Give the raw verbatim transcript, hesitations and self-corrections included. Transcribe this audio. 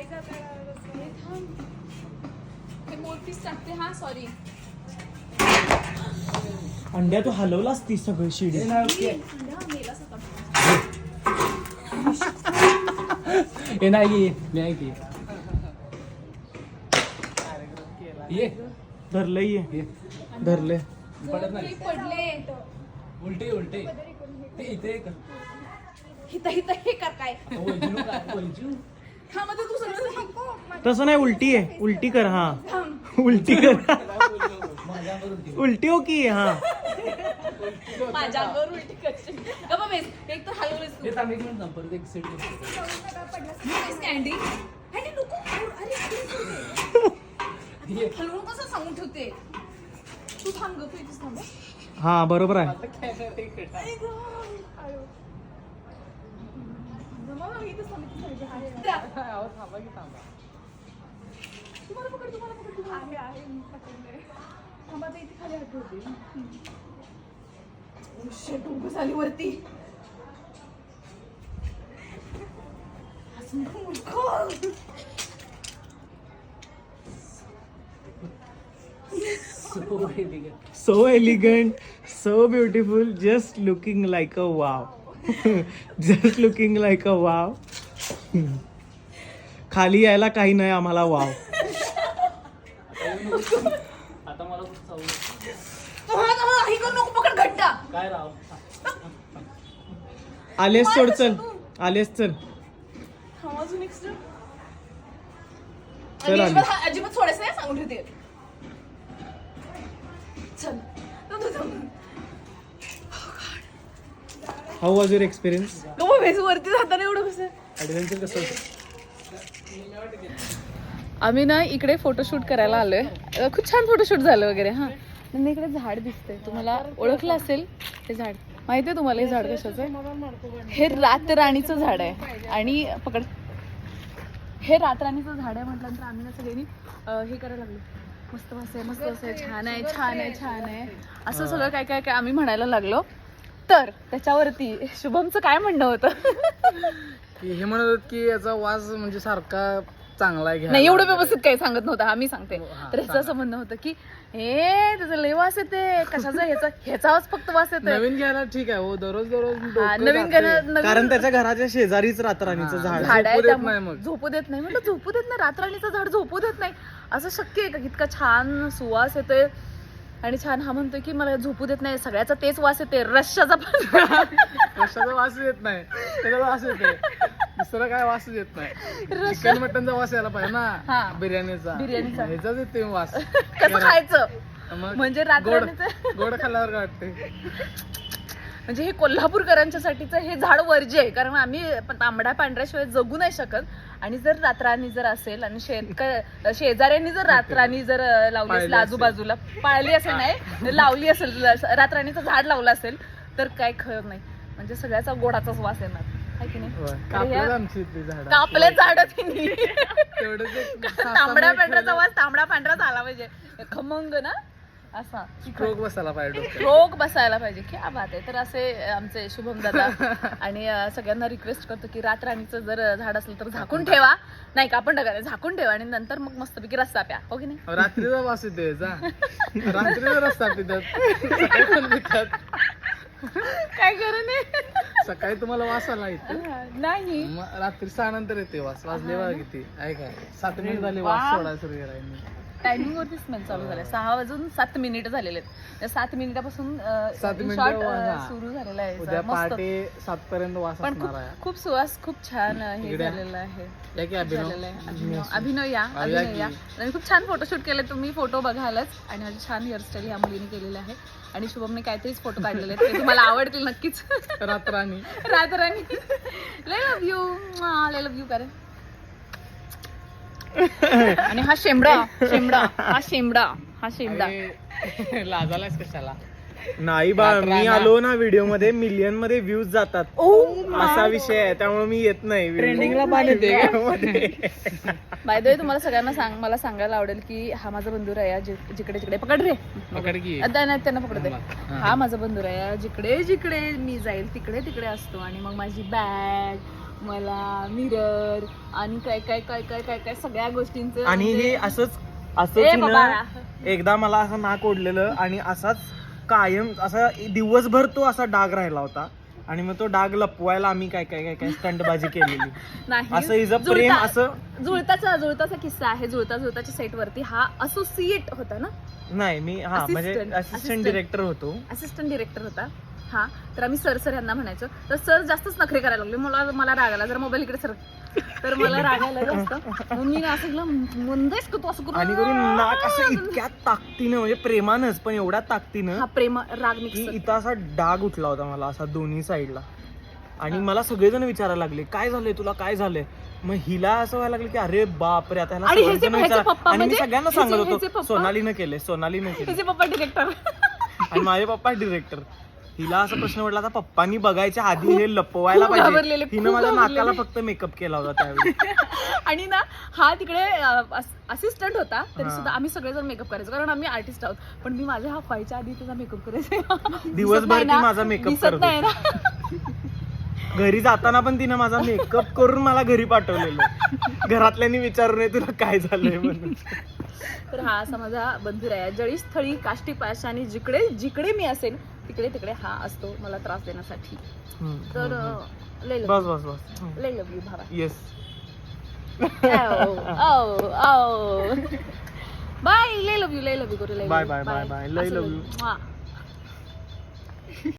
मोठीच टाकते. हा सॉरी अंड्या तू हलवलास ती सगळी शिडी. हे नाही नाही ये धरलंय ये धरले पडत नाही. पडले उलटे उलटे ते इथे कर. हिता हिता हे कर काय वैजू काय वैजू हा मध्ये तू सगळं तसं नाही उलटी आहे. उलटी कर. हा उलटी कर. उलटी हो की. हा माझ्या अंगावर उलटी करशील का बाबा. एक तर हलवलेस तू. हे थांब एक मिनिट थांब परत एक सेट कॅन्डी कॅन्डी नको. अरे हलवून कसं सांगून ठेवते तू. थांब ग तू इथेच थांब. हा बरोबर आहे. तुम्हाला पकड तुम्हाला पकड आहे आहे पकडले. थांबा आता इथे खाली हटवते. शेट उभं झाली वरती. So elegant, so beautiful, just looking like a wow. Just looking like a wow. खाली यायला काही नाही आम्हाला वाव. आता मला खूप चावलं. हे करू नको. पकड घट्ट. काय राव आलेस सोड. चल आलेस चल. हा अजून एक स्टेप. चल आली. अजिबात अजिबात सोडायचं नाही सांगून ठेवते. चल how was your experience? Go base वरती जाताना एवढं कसं. ॲडव्हेंचर कसं होतं? आम्ही ना इकडे फोटोशूट करायला आलोय. खूप छान फोटोशूट झालं वगैरे. हा नंतर इकडे झाड दिसतंय. तुम्हाला ओळखलं असेल हे झाड. माहिती आहे तुम्हाला हे झाड कशाचं आहे? हे रातराणीचं झाड आहे. आणि पकड. हे रातराणीचं झाड आहे म्हटल्यानंतर आम्ही ना सगळ्यांनी हे करायला लागलो. मस्त वास आहे मस्त वास आहे छान आहे छान आहे छान आहे असं सगळं काय काय काय आम्ही म्हणायला लागलो. तर त्याच्यावरती शुभमचं काय म्हणणं होतं? की हे म्हणत होत की याचा वास म्हणजे सारखा चांगला आहे. नाही एवढं व्यवस्थित काही सांगत नव्हतं. आम्ही सांगते. तर ह्याचं असं म्हणणं होतं की हे त्याचं लय वास येते कशाचा. ह्याचा ह्याचाच फक्त वास येते. नवीन घ्यायला ठीक आहे हो. दररोज दररोज हा, डोकं नवीन जातंय. गाणं- कारण नवीन त्याच्या घराच्या शेजारीच रातराणीचं झाड आहे. झाड आहे झोपू देत त्यामुळे नाही मग. झोपू देत नाही. म्हटलं झोपू देत नाही. रातराणीचं झाड झोपू देत नाही असं शक्य आहे का? इतका छान सुवास येतोय आणि छान. हा म्हणतोय की मला झोपू देत नाही. सगळ्याचा तेच वास येते रश्शाचा पण. कशाचा वास येत नाही. त्याचा वास येते. दुसरा काय वास येत नाही. चिकन मटनचा वास यायला पाहिजे हा. ना. बिर्याणीचा बिर्याणीचा. ह्याचाच येते वास. कसं खायचं मग म्हणजे गोड रातराणीचं. गोड खाल्ल्यावर काय वाटते? म्हणजे हे कोल्हापूरकरांच्या साठीचं हे झाड वर्ज्य आहे. कारण आम्ही तांबड्या पांढऱ्याशिवाय जगू नाही शकत. आणि जर रातराणी जर असेल आणि शेतक शेजाऱ्यांनी जर रातराणी जर लावली असेल आजूबाजूला पाळली असेल नाही लावली असेल रातराणीचं झाड लावलं असेल तर काय खरं नाही. म्हणजे सगळ्याचा गोडाचाच वास येणार आहे की नाही. कापलं आमची इथली झाड. कापले झाड तिन्ही. तेवढंच एक तांबड्या पांढऱ्याचा वास तांबडा पांढराच आला पाहिजे. खमंग ना असा स्ट्रोक बसायला पाहिजे डोक्यात. रोग बसायला पाहिजे. क्या बात आहे. तर असे आमचे शुभम दादा आणि सगळ्यांना रिक्वेस्ट करतो की रातराणीचं जर झाड असलं तर झाकून ठेवा. नाही का आपण टाका झाकून ठेवा आणि नंतर मग मस्तपैकी रस्ता प्या. हो की नाही. रात्रीचा वास येते याचा. रात्रीचा रस्ता पितात. सकाळी पण पितात. काय करू नये. सकाळी तुम्हाला वास आला इथे. नाही मग रात्री सहा नंतर येते वास. वाजले बघा किती आहे काय. सात मिनिट झाले वास सोडायला सुरू केला. टायमिंग वरती स्मेल चालू झालाय. सहा वाजून सात मिनिट झालेले आहेत. त्या सात मिनिटापासून सात मिनिटं शॉट हा. सुरू झालेला आहे. उद्या मस्त. पहाटे सात पर्यंत वास पण असणार खूप आहे. खूप सुवास खूप छान हे इकडे. झालेलं आहे. या की अभिनव. झालेलं आहे. अभिनव अभिनव या या अभिनव की. या. आणि खूप छान फोटोशूट केले. तुम्ही फोटो बघालच. आणि माझी छान हेअरस्टाईल ह्या मुलीने केलेली आहे. आणि शुभमने काहीतरीच फोटो काढलेले आहेत ते तुम्हाला आवडतील नक्कीच. रात्राणी रातराणी लय लव्ह यू लय लव्ह यू कारण. आणि हा शेंबडा शेंबडा हा शेंबडा हा शेंबडा. लाजालाच कशाला. नाही बा मी आलो ना व्हिडिओ मध्ये मिलियन मध्ये व्ह्यूज जातात. असा विषय आहे त्यामुळे मी येत नाही. ट्रेंडिंगला पाणी येते. बाय द वे तुम्हाला सगळ्यांना सांग मला सांगायला आवडेल की हा माझा बंधुराया जिकडे जिकडे पकड रे पकड की. आता नाही त्यांना पकडते. हा माझा बंधुराया जिकडे जिकडे मी जाईल तिकडे तिकडे असतो. आणि मग माझी बॅग मला मिरर आणि काय काय काय काय काय काय सगळ्या गोष्टींचं आणि म्हणजे- हे असंच ए असं बाबा. तिनं एकदा मला असं नाक ओढलेलं आणि असाच कायम असा दिवसभर तो असा डाग राहिला होता आणि मग तो डाग लपवायला आम्ही काय काय काय काय स्टंटबाजी केलेली. नाही असं हिचं प्रेम जुळता- असं जुळताचा जुळताचा किस्सा आहे. जुळता जुळताच्या सेट वरती हा असोसिएट होता ना, नाही मी हा Assistant. म्हणजे असिस्टंट Assistant. डिरेक्टर होतो. असिस्टंट डिरेक्टर होता हा. तर आम्ही सर सर यांना म्हणायचो. तर सर जास्तच नखरे करायला लागले. मला मला राग आला, जरा मोबाईल इकडे सर, तर मला राग आला जास्त. मग मी असं केलं, मंदेश का तू असं करून आणि करून नाक असं इतक्या ताकदीनं म्हणजे प्रेमानच पण एवढ्या ताकदीनं हा प्रेम राग की मिक्स. इथं असा डाग उठला होता मला असा दोन्ही साईडला. आणि मला सगळेजण विचारायला लागले काय झालंय तुला, काय झालंय. मग हिला असं व्हायला लागलं की अरे बापरे आता ह्याला आणि ह्याचे- सगळेजण ह्याचे विचारा- पप्पा आणि मी म्हणजे- सगळ्यांना ह्याचे- सांगत ह्याचे होतो पप्पा- सोनालीनं केले सोनालीनं केले त्याचे पप्पा डिरेक्टर. आणि माझे पप्पा डिरेक्टर. हिला असं प्रश्न पडला आता पप्पांनी बघायच्या आधी हे लपवायला खूप पाहिजे. घाबरलेले, हिनं खूप माझ्या घाबरलेले. नाकाला फक्त मेकअप केला होता त्यावेळी. आणि ना हा तिकडे असिस्टंट होता तरी हा. सुद्धा आम्ही सगळेजण मेकअप करायचो कारण आम्ही आर्टिस्ट आहोत. पण मी माझ्या हा व्हायच्या आधी त्याचा मेकअप करायचो. दिवसभर ती माझा makeup दिसत करत नाही ना. घरी जाताना पण तिनं माझा मेकअप करून मला घरी पाठवलेलं. घरातल्यांनी विचारू नये तुला काय झालंय म्हणून. तर हा असा माझा बंधू आहे. जळी स्थळी काष्टी पाश आणि जिकडे जिकडे मी असेल तिकडे तिकडे हा असतो मला त्रास देण्यासाठी. हम्म, तर हम्म, हम्म. अं, लय लव बस बस बस हम्म. लय लव यू भावा. येस. बाय लय लव यू लय लव यू करू लय Bye, bye, bye, bye. लय love you. you